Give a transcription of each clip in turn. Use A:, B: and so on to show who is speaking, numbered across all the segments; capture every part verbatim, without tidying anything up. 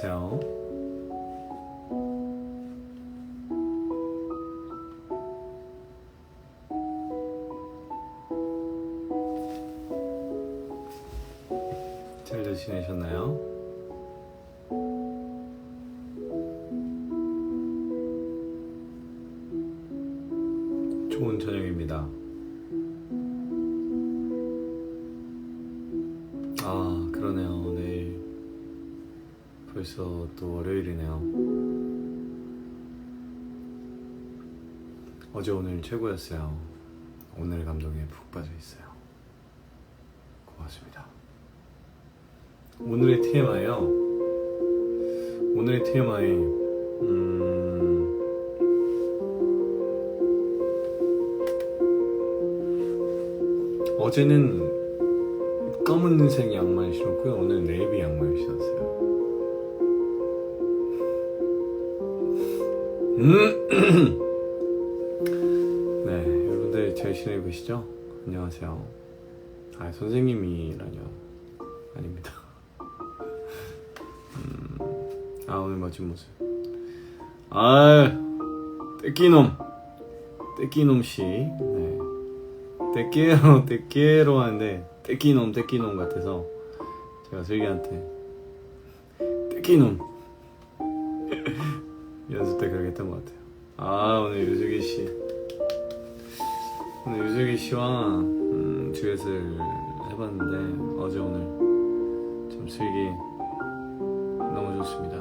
A: 안녕하세요. 잘들 지내셨나요? 좋은 저녁입니다. 아, 그러네요. 내일 벌써 또 월요일이네요. 어제 오늘 최고였어요. 오늘의 감동에 푹 빠져 있어요. 고맙습니다. 오늘의 티엠아이요. 오늘의 티엠아이 음... 어제는 검은색 양말 신었고요. 오늘 네이비 양말 신었어요. 음! 네, 여러분들 잘 지내고 계시죠? 안녕하세요. 아, 선생님이라뇨. 아닙니다. 음, 아, 오늘 멋진 모습. 아, 떼끼놈. 떼끼놈씨. 네. 떼끼로, 떼끼로 하는데, 떼끼놈, 떼끼놈 같아서, 제가 슬기한테, 떼끼놈. 연습 때 그렇게 했던 것 같아요. 아, 오늘 유슬기씨. 오늘 유슬기씨와, 음, 듀엣을 해봤는데, 어제 오늘, 참 슬기, 너무 좋습니다.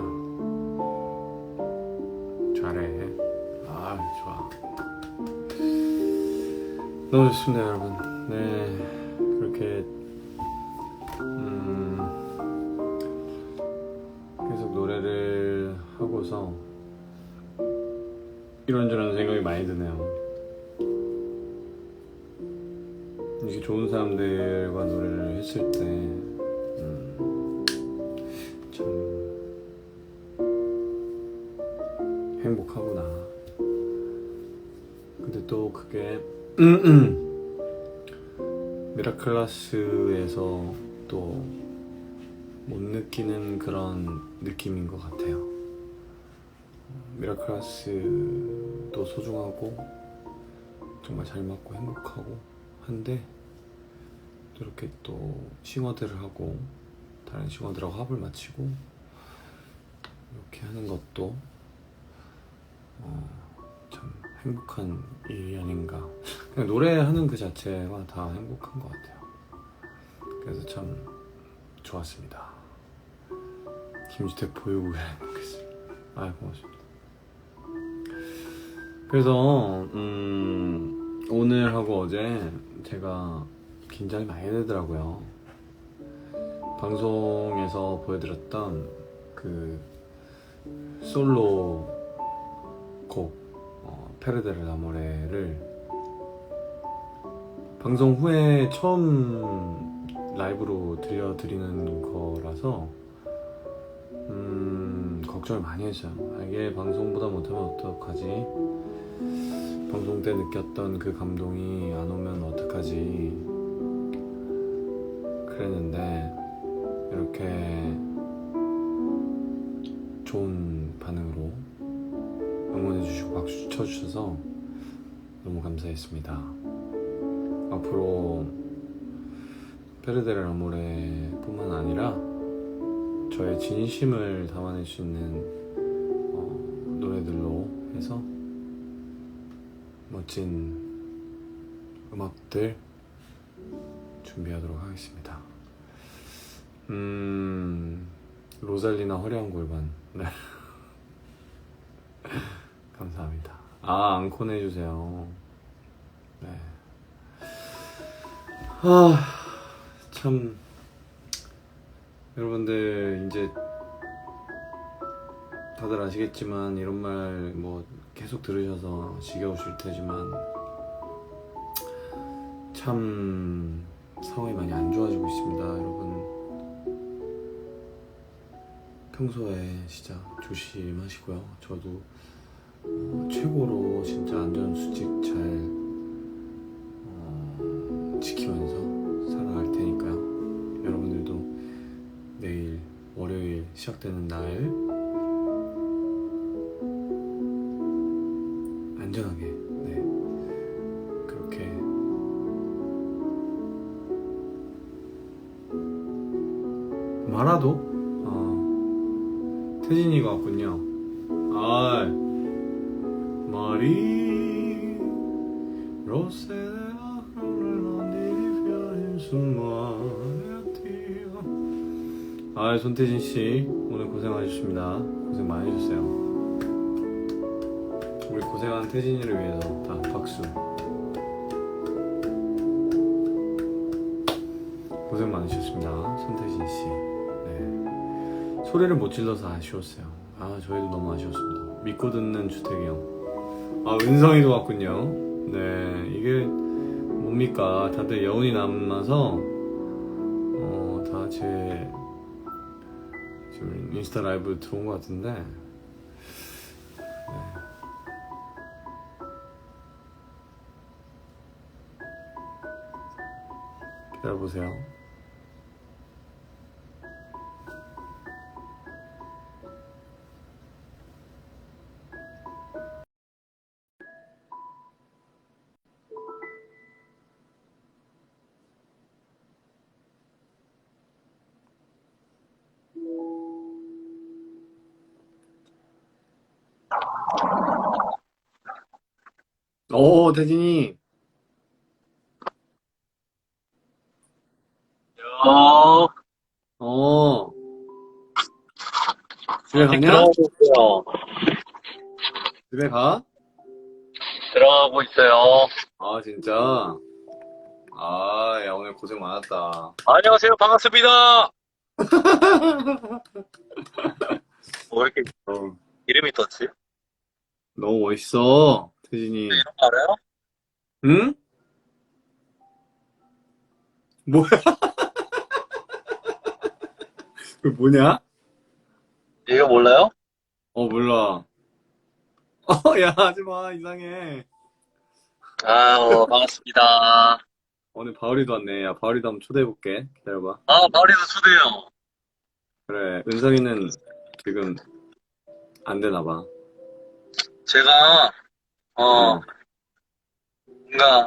A: 잘해. 아, 좋아. 너무 좋습니다, 여러분. 네, 그렇게 음, 계속 노래를 하고서 이런저런 생각이 많이 드네요. 이렇게 좋은 사람들과 노래를 했을 때 음, 참 행복하구나. 근데 또 그게 미라클라스에서 또 못 느끼는 그런 느낌인 것 같아요. 미라클라스도 소중하고 정말 잘 맞고 행복하고 한데 또 이렇게 또 싱어들을 하고 다른 싱어들하고 합을 맞추고 이렇게 하는 것도 어, 참 행복한 일이 아닌가. 그냥 노래하는 그 자체가 다 행복한 것 같아요. 그래서 참 좋았습니다. 김주택 보유국에 행복했습니다. 아, 고맙습니다. 그래서 음, 오늘하고 어제 제가 긴장이 많이 되더라고요. 방송에서 보여드렸던 그 솔로 곡 어, 페르데르 아모레를 방송 후에 처음 라이브로 들려드리는 거라서 음, 걱정을 많이 했어요. 아, 이게 방송보다 못하면 어떡하지? 방송 때 느꼈던 그 감동이 안 오면 어떡하지? 그랬는데 이렇게 좋은 반응으로 응원해주시고 박수 쳐주셔서 너무 감사했습니다. 앞으로 페르데르 아모레 뿐만 아니라 저의 진심을 담아낼 수 있는 어, 노래들로 해서 멋진 음악들 준비하도록 하겠습니다. 음... 로잘리나 화려한 골반. 네. 감사합니다. 아, 앙콘 해주세요. 네. 아, 참 여러분들 이제 다들 아시겠지만 이런 말 뭐 계속 들으셔서 지겨우실 테지만 참 상황이 많이 안 좋아지고 있습니다, 여러분. 평소에 진짜 조심하시고요. 저도 어, 최고로 진짜 안전수칙 잘 어, 지키면서 살아갈 테니까요. 여러분들도 내일 월요일 시작되는 날 안전하게 네 그렇게 마라도 어, 태진이가 왔군요. 아 마리 로세아 아 손태진 씨 오늘 고생하셨습니다. 고생 많이 해주세요. 우리 고생한 태진이를 위해서 다 박수. 고생 많으셨습니다, 손태진 씨. 네. 소리를 못 질러서 아쉬웠어요. 아 저희도 너무 아쉬웠습니다. 믿고 듣는 주택이 형. 아 은성이도 왔군요. 네 이게 뭡니까? 다들 여운이 남아서 어, 다 제 지금 인스타 라이브 들어온 것 같은데 네. 기다려보세요. 오 태진이
B: 어,
A: 어 집에
B: 아직
A: 가냐?
B: 들어가고 있어요.
A: 집에 가?
B: 들어가고 있어요.
A: 아 진짜? 아 야 오늘 고생 많았다.
B: 안녕하세요. 반갑습니다. 뭐 이렇게
A: 어,
B: 이름이 떴지?
A: 너무 멋있어 태진이.
B: 이름 알아요?
A: 응? 뭐야? 그 뭐냐?
B: 이거 몰라요?
A: 어 몰라. 어 야 하지마 이상해.
B: 아, 어, 반갑습니다.
A: 오늘 바울이도 왔네. 야 바울이도 한번 초대해볼게. 기다려봐.
B: 아, 마을에서 초대요.
A: 그래 은성이는 지금 안 되나봐.
B: 제가, 어, 뭔가,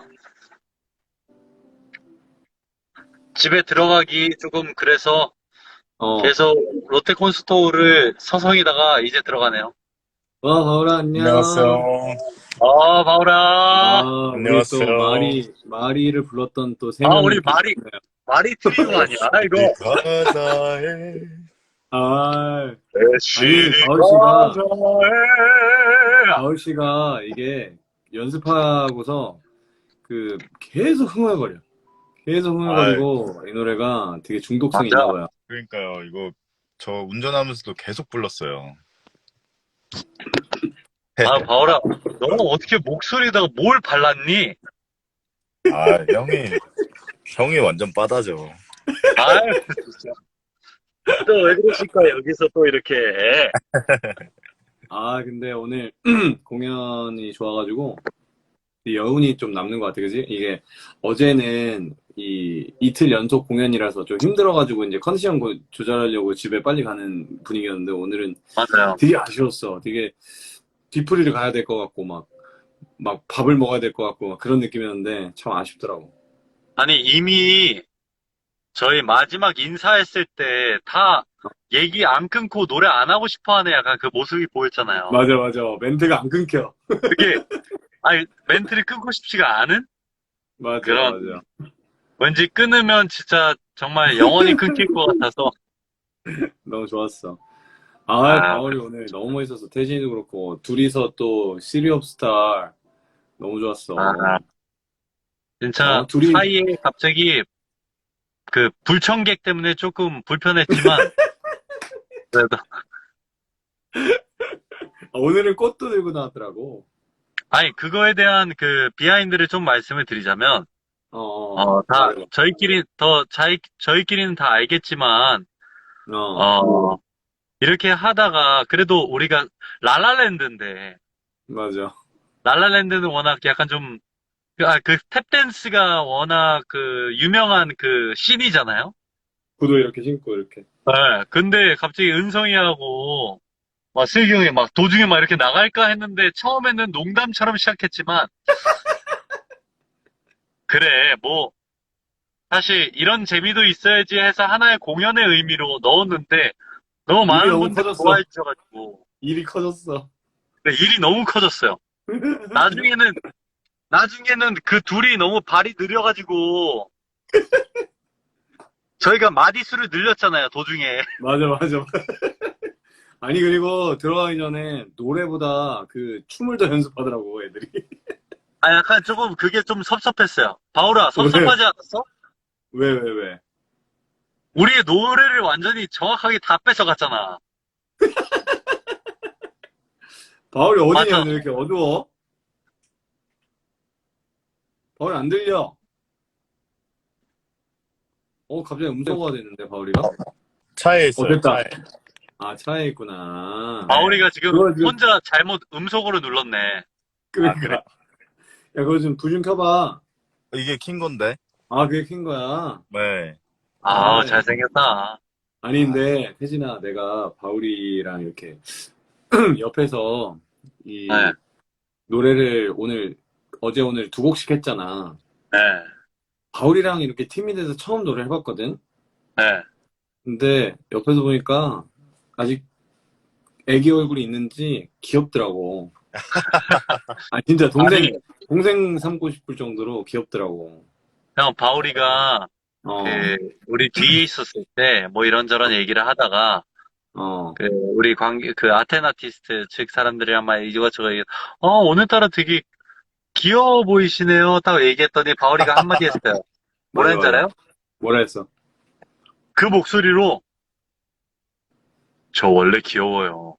B: 집에 들어가기 조금 그래서
A: 어.
B: 계속 롯데콘스토어를 서성이다가 이제 들어가네요.
A: 와 바울아 안녕.
C: 안녕하세요.
B: 아, 마우라.
A: 아 우리 또
C: 안녕하세요.
A: 마리 마리를 불렀던 또 세
B: 아,
A: 명이
B: 우리
A: 이렇게
B: 마리.
A: 있네요.
B: 말이 트리오 아니야, 이거.
C: 이 바다에
A: 아
B: 시리
A: 바울 씨가-
B: 바다에.
A: 바울 씨가 이게 연습하고서 그 계속 흥얼거려. 계속 흥얼거리고 이 노래가 되게 중독성이
B: 맞아.
A: 있나 봐요.
C: 그러니까요. 이거 저 운전하면서도 계속 불렀어요.
B: 아, 바울아, 너는 어떻게 목소리에다가 뭘 발랐니?
C: 아, 형이 형이 완전 빠다죠.
B: 아유, 진짜. 또 왜 그러실까, 여기서 또 이렇게.
A: 아 근데 오늘 공연이 좋아가지고 여운이 좀 남는 것 같아, 그지? 이게 어제는 이 이틀 연속 공연이라서 좀 힘들어가지고 이제 컨디션 고- 조절하려고 집에 빨리 가는 분위기였는데 오늘은
B: 맞아요.
A: 되게 아쉬웠어. 되게 뒤풀이를 가야 될 것 같고 막 막 밥을 먹어야 될 것 같고 막 그런 느낌이었는데 참 아쉽더라고.
B: 아니, 이미 저희 마지막 인사했을 때 다 얘기 안 끊고 노래 안 하고 싶어 하는 약간 그 모습이 보였잖아요.
A: 맞아 맞아 멘트가 안 끊겨.
B: 그게, 아니, 멘트를 끊고 싶지가 않은?
A: 맞아
B: 그런-
A: 맞아.
B: 왠지 끊으면 진짜 정말 영원히 끊길 것 같아서.
A: 너무 좋았어. 아,
B: 아.
A: 바울이 오늘 너무 멋있었어. 태진이도 그렇고 둘이서 또 시리 옵 스타 너무 좋았어.
B: 아. 진짜
A: 어, 둘이-
B: 사이에 갑자기 그 불청객 때문에 조금 불편했지만 그래도
A: 아, 오늘은 꽃도 들고 나왔더라고.
B: 아니 그거에 대한 그 비하인드를 좀 말씀을 드리자면
A: 어,
B: 어, 다
A: 맞아.
B: 저희끼리 더 자이, 저희끼리는 다 알겠지만
A: 어,
B: 어 이렇게 하다가 그래도 우리가 라라랜드인데
A: 맞아.
B: 라라랜드는 워낙 약간 좀 아, 그 탭댄스가 워낙 그 유명한 그 씬이잖아요.
A: 구두 이렇게 신고 이렇게.
B: 네, 근데 갑자기 은성이하고 막 슬기 형이 막 도중에 막 이렇게 나갈까 했는데 처음에는 농담처럼 시작했지만 그래 뭐 사실 이런 재미도 있어야지 해서 하나의 공연의 의미로 넣었는데 너무
A: 일이
B: 많은
A: 너무
B: 분들이
A: 커졌어.
B: 좋아해 주셔가지고
A: 일이 커졌어.
B: 일이 너무 커졌어요. 나중에는 나중에는 그 둘이 너무 발이 느려가지고 저희가 마디수를 늘렸잖아요 도중에.
A: 맞아, 맞아. 아니, 그리고 들어가기 전에 노래보다 그 춤을 더 연습하더라고, 애들이.
B: 아 약간 조금 그게 좀 섭섭했어요. 바울아
A: 왜?
B: 섭섭하지 않았어?
A: 왜, 왜, 왜?
B: 우리의 노래를 완전히 정확하게 다 뺏어갔잖아.
A: 바울이 어디냐,
B: 맞아.
A: 오늘 이렇게 어두워? 바울이 안 들려. 어, 갑자기 음소거가 됐는데, 바울이가?
C: 차에
A: 어,
C: 있어요,
A: 됐다.
C: 차에.
A: 아, 차에 있구나.
C: 네.
B: 바울이가 지금
A: 그거 좀,
B: 혼자 잘못 음속으로 눌렀네.
C: 아, 그래?
A: 그러니까. 야, 그거 좀 불 좀 켜봐.
C: 이게 킨 건데.
A: 아, 그게 킨 거야?
C: 네.
B: 아
A: 아,
B: 잘생겼다.
C: 아,
A: 아닌데, 태진아, 내가 바울이랑 이렇게 옆에서
B: 네,
A: 이 노래를 오늘, 어제 오늘 두 곡씩 했잖아.
B: 네,
A: 바울이랑 이렇게 팀이 돼서 처음 노래 해봤거든?
B: 네.
A: 근데 옆에서 보니까 아직 애기 얼굴이 있는지 귀엽더라고. 아, 진짜
B: 아니,
A: 동생, 동생 삼고 싶을 정도로 귀엽더라고.
B: 형 바울이가
A: 어,
B: 그 우리 뒤에 있었을 때 뭐 이런저런 얘기를 하다가
A: 어.
B: 그 우리 관계 그 아테나티스트 측 사람들이랑 막 이것저것 얘기, 어 오늘따라 되게 귀여워 보이시네요. 딱 얘기했더니 바울이가 한마디 했어요. 뭐라
A: 맞아,
B: 했는지
A: 맞아.
B: 알아요?
A: 뭐라 했어?
B: 그 목소리로 저 원래 귀여워요.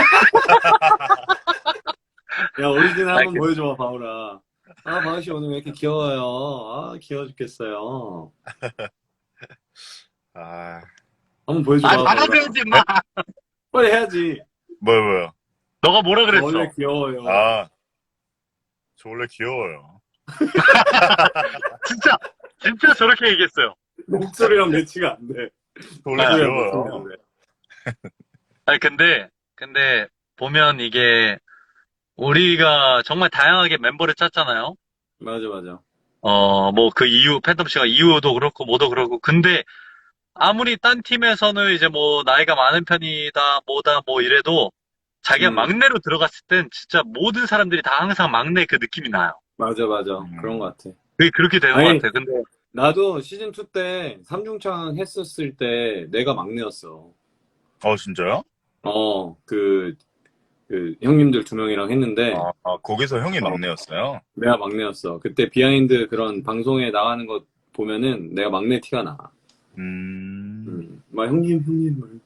A: 야, 오리진
B: 아,
A: 한번
B: 그-
A: 보여줘봐, 바울아. 아, 바울씨 오늘 왜 이렇게 귀여워요? 아, 귀여워 죽겠어요.
C: 아,
A: 한번
B: 아,
A: 보여줘봐, 바울아.
B: 받아들여지 마.
A: 빨리 해야지.
C: 뭐요, 뭐요?
B: 너가 뭐라
A: 저 원래
B: 그랬어?
A: 귀여워요.
C: 아, 저 원래 귀여워요.
B: 진짜 진짜 저렇게 얘기했어요.
A: 목소리랑 매치가 안 돼.
C: 저 원래
B: 아,
A: 목소리랑 매치가 안
C: 귀여워요.
A: 돼.
B: 아니 근데 근데 보면 이게 우리가 정말 다양하게 멤버를 짰잖아요.
A: 맞아, 맞아.
B: 어, 뭐 그 이유 팬텀 씨가 이유도 그렇고 뭐도 그렇고 근데 아무리 딴 팀에서는 이제 뭐 나이가 많은 편이다 뭐다 뭐 이래도 자기가
A: 음,
B: 막내로 들어갔을 땐 진짜 모든 사람들이 다 항상 막내 그 느낌이 나요.
A: 맞아, 맞아. 그런
C: 음,
A: 것 같아.
B: 그게 그렇게 되는 것
A: 아니,
B: 같아요. 근데
A: 나도 시즌 투 때 삼중창 했었을 때 내가 막내였어.
C: 어, 진짜요?
A: 어, 그, 그 형님들 두 명이랑 했는데
C: 아, 아, 거기서 형이
A: 어,
C: 막내였어요?
A: 내가 막내였어. 그때 비하인드 그런 방송에 나가는 거 보면은 내가 막내 티가 나.
C: 음,
A: 음, 막 형님, 형님, 막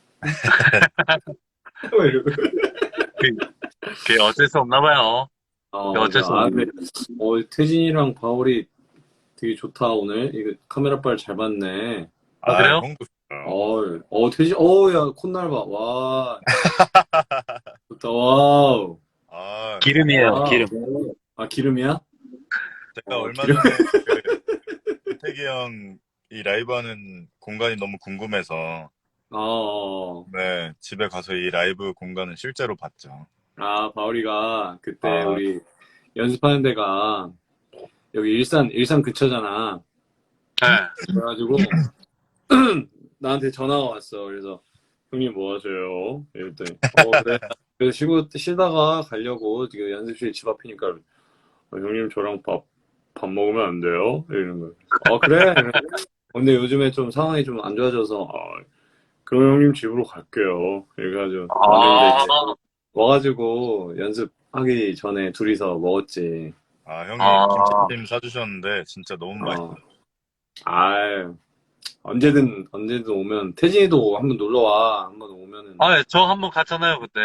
A: 이러고.
B: 그- 그게 어쩔 수 없나 봐요.
A: 어,
B: 그게
A: 맞아.
B: 어쩔 수
A: 아,
B: 없나.
A: 근데 어, 태진이랑 바울이 되게 좋다 오늘. 이거 카메라 빨 잘 봤네.
B: 아,
C: 아,
B: 그래요?
C: 형도 좋아요.
A: 어, 어, 태진, 어, 야, 콧날 봐. 와, 좋다. 와우.
C: 아,
B: 기름이에요,
A: 와우.
B: 기름.
A: 아, 기름이야?
C: 제가
A: 어,
C: 얼마
A: 기름.
C: 전에 그 태기 형 이 라이브 하는 공간이 너무 궁금해서
A: 어, 어.
C: 네, 집에 가서 이 라이브 공간을 실제로 봤죠.
A: 아, 바울이가 그때
C: 아,
A: 우리 연습하는 데가 여기 일산, 일산 근처잖아.
B: 네.
A: 그래가지고 나한테 전화가 왔어. 그래서 형님 뭐 하세요? 이랬더니 어 그래. 그래서 쉬고 쉬다가 가려고 지금 연습실 집 앞이니까 어, 형님 저랑 밥, 밥 먹으면 안 돼요? 이러는 거야. 어 그래. 근데 요즘에 좀 상황이 좀 안 좋아져서 아, 그럼 형님 집으로 갈게요. 이래가지고 왔는데
B: 아,
A: 이제 와가지고 연습하기 전에 둘이서 먹었지.
C: 아, 형이
B: 아,
C: 김치찜 사주셨는데 진짜 너무
A: 어.
C: 맛있어요.
A: 아 언제든 언제든 오면 태진이도 한번 놀러 와. 한번 오면은
B: 아, 저 한 번 갔잖아요, 그때.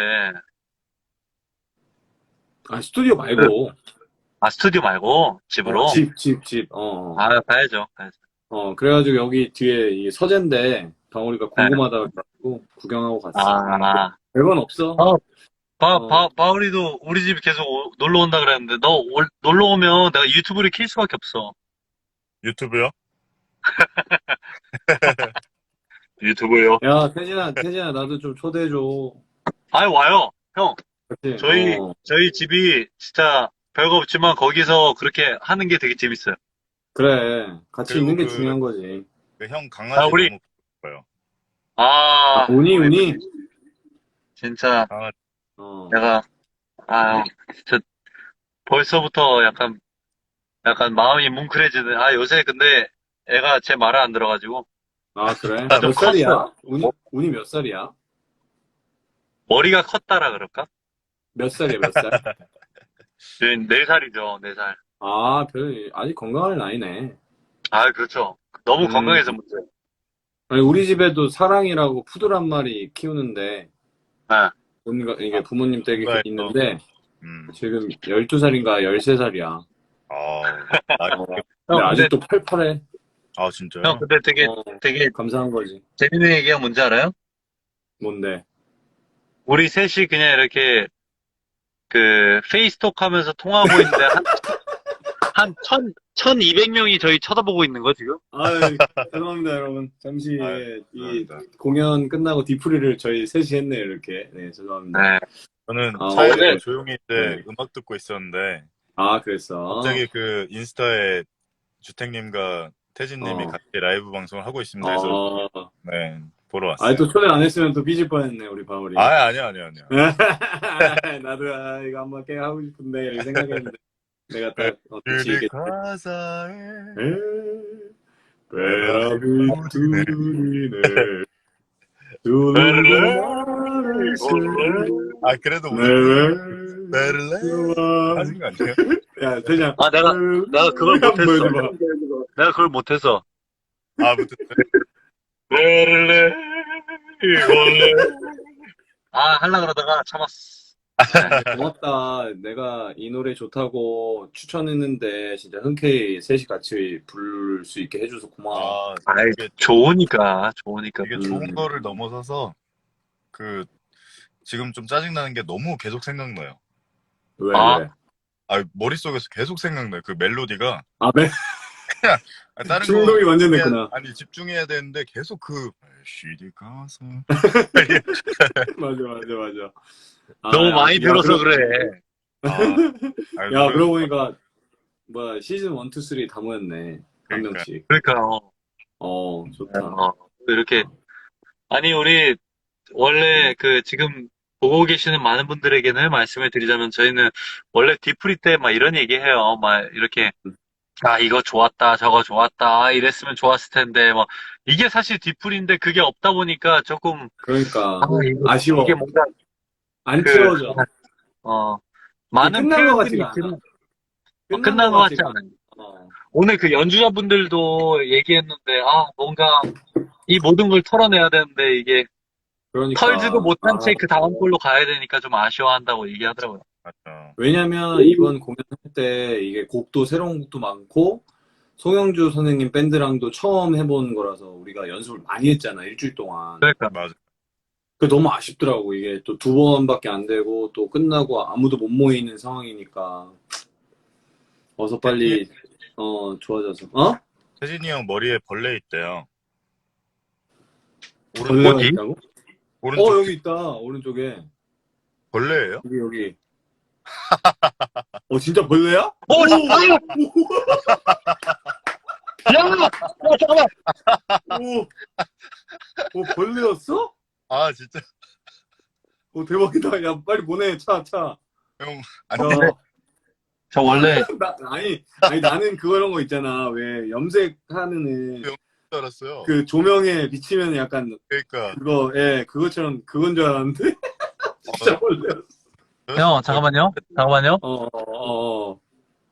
A: 아 스튜디오
B: 그,
A: 말고
B: 아, 스튜디오 말고,
A: 어,
B: 집으로?
A: 집, 집, 집. 어,
B: 아, 가야죠, 가야죠.
A: 어. 그래가지고 여기 뒤에 이 서재인데 방울이가
B: 네.
A: 궁금하다고 해가지고 구경하고 갔어.
B: 아,
A: 별건 없어.
B: 어, 바,
A: 어,
B: 바, 바울이도 우리 집 계속 오- 놀러 온다 그랬는데, 너 올- 놀러 오면 내가 유튜브를 킬 수밖에 없어.
C: 유튜브요?
B: 유튜브요.
A: 야, 태진아, 태진아, 나도 좀 초대해줘.
B: 아이, 와요. 형,
A: 그치?
B: 저희,
A: 어,
B: 저희 집이 진짜 별거 없지만 거기서 그렇게 하는 게 되게 재밌어요.
A: 그래. 같이
C: 그리고
A: 있는 게
C: 그,
A: 중요한 거지.
C: 그 형
B: 아,
C: 강아지
B: 우리,
C: 너무 예뻐요.
A: 아,
B: 아,
A: 운이,
B: 우리
A: 운이?
B: 진짜
C: 강아지.
A: 어.
B: 내가, 아, 진짜 벌써부터 약간, 약간 마음이 뭉클해지네. 아, 요새 근데 애가 제 말을 안 들어가지고
A: 아, 그래?
B: 아, 좀
A: 몇
B: 컸어요.
A: 살이야? 운이, 운이 몇 살이야?
B: 머리가 컸다라 그럴까?
A: 몇 살이야, 몇 살?
B: 네 살이죠, 네 살.
A: 아, 별, 아직 건강할 나이네.
B: 아, 그렇죠. 너무
A: 음.
B: 건강해서 문제예요.
A: 아니, 우리 집에도 사랑이라고 푸들 한 마리 키우는데,
B: 네.
A: 뭔가 이게
C: 아,
A: 부모님 댁에
C: 뭔가에서,
A: 있는데,
C: 음,
A: 지금 열두 살인가 열세 살이야.
C: 아, 나,
A: 어. 근데
B: 형, 근데,
A: 아직도 팔팔해.
C: 아,
B: 형,
C: 진짜요?
B: 근데 되게,
A: 어,
B: 되게
A: 감사한 거지.
B: 재밌는 얘기가 뭔지 알아요?
A: 뭔데?
B: 우리 셋이 그냥 이렇게 그 페이스톡 하면서 통화하고 있는데 한, 한 천, 천이백 명이 저희 쳐다보고 있는 거 지금?
A: 아, 죄송합니다, 여러분. 잠시
C: 아유,
A: 예, 이
C: 죄송합니다.
A: 공연 끝나고 디프리를 저희 셋이 했네요, 이렇게. 네, 죄송합니다.
B: 네.
C: 저는
A: 아,
C: 차에서
B: 오늘-
C: 조용히 이제
A: 네.
C: 음악 듣고 있었는데,
A: 아, 그랬어.
C: 갑자기 그 인스타에 주택님과 태진님이
A: 어.
C: 같이 라이브 방송을 하고 있습니다 해서,
A: 어.
C: 네, 보러 왔어요.
A: 아, 또 초대 안 했으면 또 삐질 뻔했네, 우리 바울이.
C: 아, 아니요, 아니요, 아니요.
A: 나도 아, 이거 한번 깨 하고 싶은데 이렇게 생각했는데 내가 딱 어, 같이
C: 그대
A: 이게
C: 가사에
A: 베라비 둘이네 두루가 나를
C: 아, 그래도
A: 네,
C: 오늘 베를레
A: 좋아.
C: 하신 거 아니에요?
A: 야, 대장.
B: 아, 내가, 내가 그걸
A: 한번
B: 못했어.
A: 보여줘봐.
B: 내가 그걸 못해서.
C: 아, 무튼
B: 베를레, 아, 하려 그러다가 참았어.
A: 고맙다. 내가 이 노래 좋다고 추천했는데 진짜 흔쾌히 셋이 같이 부를 수 있게 해줘서 고마워.
C: 아,
B: 아이,
C: 이게,
B: 좋으니까, 좋으니까.
C: 이게
A: 음.
C: 좋은 거를 넘어서서 그 지금 좀 짜증나는 게 너무 계속 생각나요.
A: 왜,
B: 아.
A: 왜?
C: 아, 머릿속에서 계속 생각나요. 그 멜로디가.
A: 아, 매,
C: 아, 다른
A: 중독이
C: 거
A: 완전
C: 집중해야-
A: 됐구나.
C: 아니, 집중해야 되는데 계속 그 시디 가서
A: 맞아, 맞아, 맞아. 아,
B: 너무
A: 야,
B: 많이
A: 야,
B: 들어서
A: 그러-
B: 그래.
C: 아, 아,
A: 야,
C: 노래-
A: 그러고 보니까, 뭐야, 시즌 일, 이, 삼 다 모였네. 한
C: 그러니까.
A: 명씩.
B: 그러니까, 어,
A: 어, 좋다.
B: 어, 이렇게. 아니, 우리, 원래 그, 지금 보고 계시는 많은 분들에게는 말씀을 드리자면, 저희는 원래 디프리 때 막 이런 얘기 해요. 막 이렇게, 아, 이거 좋았다, 저거 좋았다, 아, 이랬으면 좋았을 텐데, 뭐, 이게 사실 디프리인데 그게 없다 보니까 조금,
A: 그러니까,
B: 아, 이거-
A: 아쉬워.
B: 이게 뭔가,
A: 안
B: 그-
A: 채워져.
B: 어, 많은
A: 끝난 것
B: 표현들이
A: 같지가 않아.
B: 있지만, 어, 끝난 것 같지 않아요.
A: 어.
B: 오늘 그 연주자분들도 얘기했는데, 아, 뭔가 이 모든 걸 털어내야 되는데, 이게
A: 그러니까.
B: 털지도 못한
A: 아,
B: 채 그 다음 걸로 가야 되니까 좀 아쉬워한다고 얘기하더라고요.
C: 맞죠.
A: 왜냐면, 이번 공연할 때, 이게 곡도, 새로운 곡도 많고, 송영주 선생님 밴드랑도 처음 해본 거라서, 우리가 연습을 많이 했잖아, 일주일 동안.
B: 그러니까.
C: 맞아.
A: 그 너무 아쉽더라고. 이게 또 두 번밖에 안 되고 또 끝나고 아무도 못 모이는 상황이니까 어서 빨리 어 좋아져서 어?
C: 태진이 형 머리에 벌레 있대요.
A: 벌레가
B: 어디?
A: 있다고?
C: 오른쪽
A: 어 여기 있다. 오른쪽에
C: 벌레예요?
A: 여기 여기. 어 진짜 벌레야?
B: 오, 잠깐만! 야! 어, 잠깐만!
A: 오, 오 벌레였어?
C: 아, 진짜
A: 오 대박이다. 야 빨리 보내 차 차.
C: 형 안
A: 저,
C: 돼.
B: 저 원래,
A: 나, 아니 아니 나는 그런 거 있잖아. 왜 염색하는 애,
C: 줄 알았어요.
A: 그 조명에 비치면 약간
C: 그러니까
A: 그거 예 그것처럼 그건 줄 알았는데 진짜 벌레였어.
B: 형, 잠깐만요. 잠깐만요.
A: 어, 어, 어.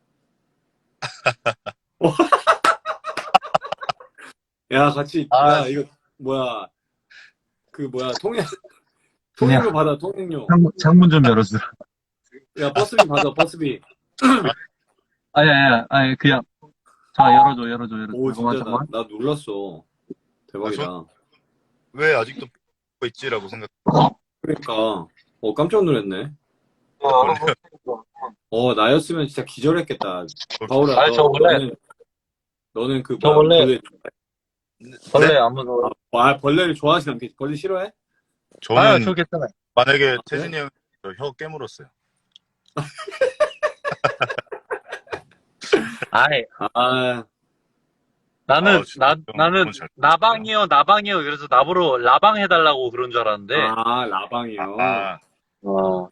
A: 야, 같이,
C: 아,
A: 야, 이거, 뭐야. 그, 뭐야, 통행, 통행료 받아, 통행료.
B: 창문, 창문 좀 열어주세요.
A: 야, 버스비 받아, 버스비.
B: 아니, 아니, 아니, 그냥. 자, 열어줘, 열어줘, 열어줘.
A: 오,
B: 잠깐만,
A: 진짜, 나,
B: 잠깐만.
A: 나 놀랐어. 대박이다.
C: 아, 왜 아직도 보고 있지라고 생각.
A: 그러니까, 어, 깜짝 놀랐네.
B: 어,
A: 어, 나였으면 진짜 기절했겠다. 바울아,
B: 아니,
A: 너,
B: 저 원래-
A: 너는, 너는 그,
B: 저
A: 뭐야,
B: 원래-
A: 벌레
B: 벌레
C: 네?
B: 안 무서워요?
A: 아, 벌레를 좋아하진 않겠지. 벌레 싫어해?
C: 저는
B: 아, 저 괜찮아요.
C: 만약에
A: 아, 그래?
C: 태진이 형이 저 혀 깨물었어요.
B: 아이,
A: 아,
B: 나는,
C: 아, 진짜
B: 나,
C: 형
B: 나는
C: 너무 잘
B: 나방이요, 나방이요. 그래서 나보러 라방 해달라고 그런 줄 알았는데.
A: 아, 라방이요.
C: 아,
B: 어.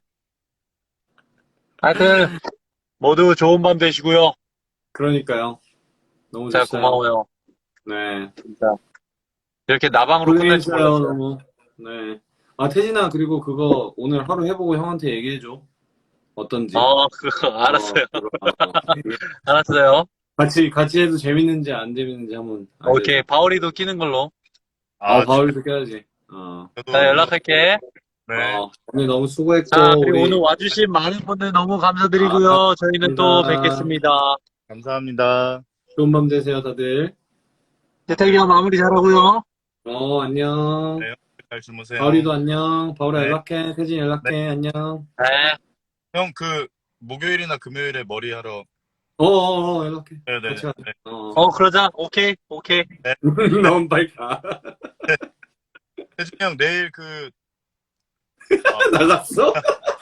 B: 하여튼, 모두 좋은 밤 되시고요.
A: 그러니까요. 너무
B: 진짜
A: 좋어요.
B: 고마워요.
A: 네.
B: 진짜. 이렇게 나방으로 끝날 줄
A: 고생했어요,
B: 몰랐어요.
A: 너무. 네. 아, 태진아, 그리고 그거 오늘 하루 해보고 형한테 얘기해줘. 어떤지.
B: 어, 그거,
A: 어,
B: 알았어요.
A: 그거, 어, 이게
B: 알았어요.
A: 같이, 같이 해도 재밌는지 안 재밌는지 한번 알려줘.
B: 오케이, 바울이도 끼는 걸로.
A: 어,
C: 아,
A: 바울이도 껴야지. 어.
C: 저도
B: 자, 연락할게.
C: 네.
A: 어, 오늘 너무 수고했고,
B: 자, 그리고
A: 우리.
B: 오늘 와주신 많은 분들 너무
A: 아,
B: 감사드리고요. 저희는 또
A: 감사합니다.
B: 뵙겠습니다.
C: 감사합니다.
A: 좋은 밤 되세요, 다들.
B: 태택이 형 마무리 잘하고요.
A: 어, 안녕.
C: 네, 잘 주무세요.
A: 바울이도 안녕. 바울아
C: 네.
A: 연락해. 태진 연락해. 안녕.
B: 네.
C: 형, 그 목요일이나 금요일에 머리 하러.
A: 어어어 연락해.
C: 네네.
A: 같이 가자.
C: 네.
A: 어.
B: 어, 그러자. 오케이, 오케이.
A: 너무 빨리 가.
C: 태진이 형 내일 그
A: 나갔어?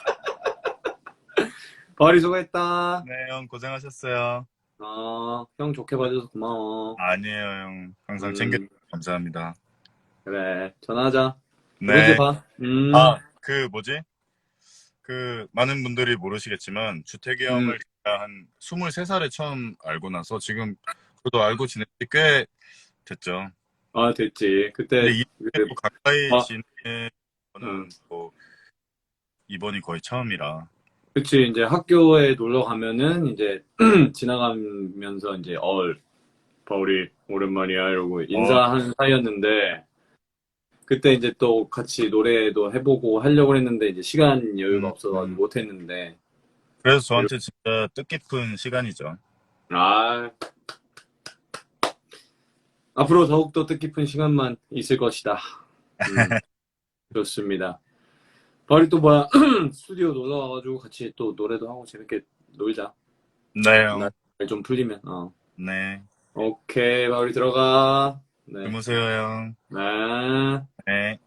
A: 바울이 수고했다.
C: 네, 형 고생하셨어요.
A: 어, 형 좋게 봐줘서 고마워.
C: 아니에요, 형. 항상
A: 음,
C: 챙겨주셔서 감사합니다.
A: 그래. 전화하자.
C: 네.
A: 이번 주에 봐. 음.
C: 아, 그 뭐지? 그 많은 분들이 모르시겠지만 주택이
A: 음.
C: 형을 제가 한 스물세 살에 처음 알고 나서 지금 저도 알고 지낸 지 꽤 됐죠.
A: 아, 됐지. 그때,
C: 근데
A: 그,
C: 이렇게 가까이
A: 아.
C: 지내는 거는
A: 음.
C: 뭐 이번이 거의 처음이라.
A: 그치. 이제 학교에 놀러 가면은 이제 지나가면서 이제, 얼, 바울이 오랜만이야. 이러고 인사하는 사이였는데, 그때 이제 또 같이 노래도 해보고 하려고 했는데, 이제 시간 여유가
C: 음,
A: 없어가지고
C: 음.
A: 못했는데,
C: 그래서 저한테 진짜 뜻깊은 시간이죠.
A: 아, 앞으로 더욱더 뜻깊은 시간만 있을 것이다. 음, 좋습니다. 바울이 또 뭐야, 스튜디오 놀러 와가지고 같이 또 노래도 하고 재밌게 놀자.
C: 네, 형.
A: 날 좀 풀리면, 어.
C: 네.
A: 오케이, 바울이 들어가. 네.
C: 주무세요, 형.
A: 네.
C: 네.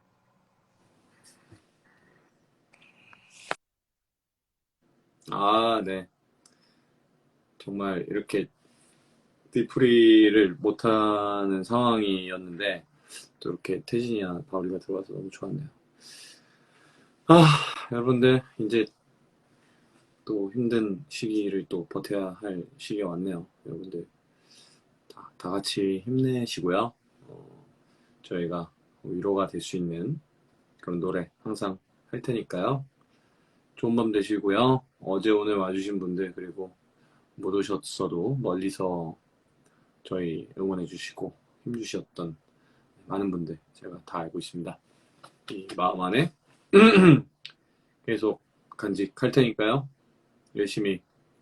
A: 아, 네. 정말 이렇게 뒤풀이를 못하는 상황이었는데, 또 이렇게 태진이나 바울이가 들어와서 너무 좋았네요. 아, 여러분들, 이제 또 힘든 시기를 또 버텨야 할 시기가 왔네요. 여러분들, 다, 다 같이 힘내시고요. 어, 저희가 위로가 될 수 있는 그런 노래 항상 할 테니까요. 좋은 밤 되시고요. 어제 오늘 와주신 분들, 그리고 못 오셨어도 멀리서 저희 응원해 주시고 힘 주셨던 많은 분들 제가 다 알고 있습니다. 이 마음 안에 계속 간직할 테니까요. 열심히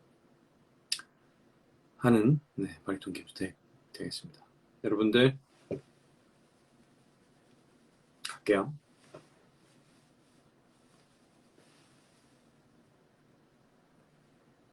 A: 하는 네, 바리톤 김수택 되겠습니다. 여러분들 갈게요.